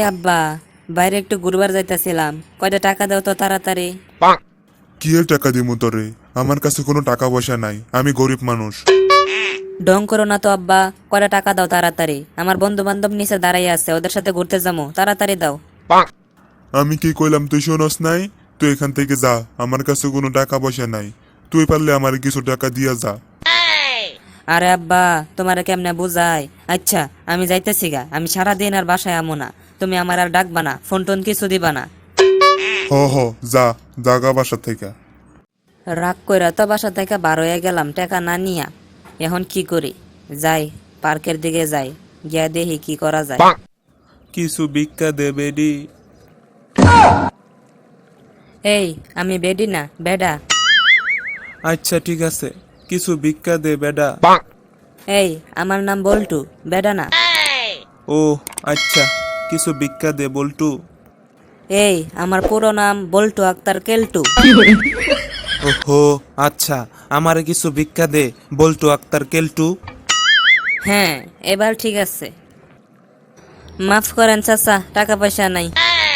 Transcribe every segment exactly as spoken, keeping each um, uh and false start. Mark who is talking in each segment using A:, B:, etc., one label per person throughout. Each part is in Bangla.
A: আব্বা, বাইরে একটু ঘুরবার যাইতেছিলাম, কয়টা টাকা দাও তো তাড়াতাড়ি।
B: কি এর টাকা দিমু তোরে? আমার কাছে কোনো টাকা পয়সা নাই, আমি গরিব মানুষ।
A: ঢং করো না তো আব্বা, কয়টা টাকা দাও তাড়াতাড়ি। আমার বন্ধু বান্ধব নিচে দাঁড়াই আছে, ওদের সাথে ঘুরতে যাবো, তাড়াতাড়ি দাও।
B: আমি কি কইলাম তুই শোনস নাই? তুই এখান থেকে যা, আমার কাছে কোনো টাকা পয়সা নাই। তুই পারলে আমার কিছু টাকা দিয়া যা।
A: আরে আব্বা, তোমার কেমনে বুঝাই? আচ্ছা, আমি যাইতেছি গা, আমি সারাদিন আর বাসায় আমো না। তুমি আমার আর ডাকবা না, ফোন টোন কিছু দিবা না।
B: হ হ যা, জাগা বাসা থেকে।
A: রাগ কইরা তো বাসা থেকে বার হয়ে গেলাম টাকা না নিয়া। এখন কি করি? যাই, পার্কের দিকে যাই, গিয়া দেখি কি করা যায়।
C: কিছু ভিক্ষা দে বেডি।
A: এই, আমি বেডি না, বেডা।
C: আচ্ছা ঠিক আছে, কিছু ভিক্ষা দে বেডা।
A: এই, আমার নাম বল্টু, বেডা না।
C: ও আচ্ছা, কিছু ভিক্ষা দে বল্টু।
A: এই, আমার পুরো নাম বল্টু আক্তার কেলটু।
C: ওহো আচ্ছা, আমারে কিছু ভিক্ষা দে বল্টু আক্তার কেলটু।
A: হ্যাঁ, এবার ঠিক আছে। মাফ করেন চাচা, টাকা পয়সা নাই।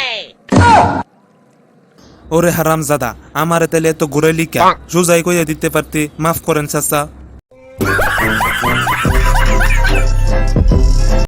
C: ওরে হারামজাদা, আমারে তাহলে এত ঘুরে লিখা সোজাই কইয়া দিতে পারতি মাফ করেন চাচা।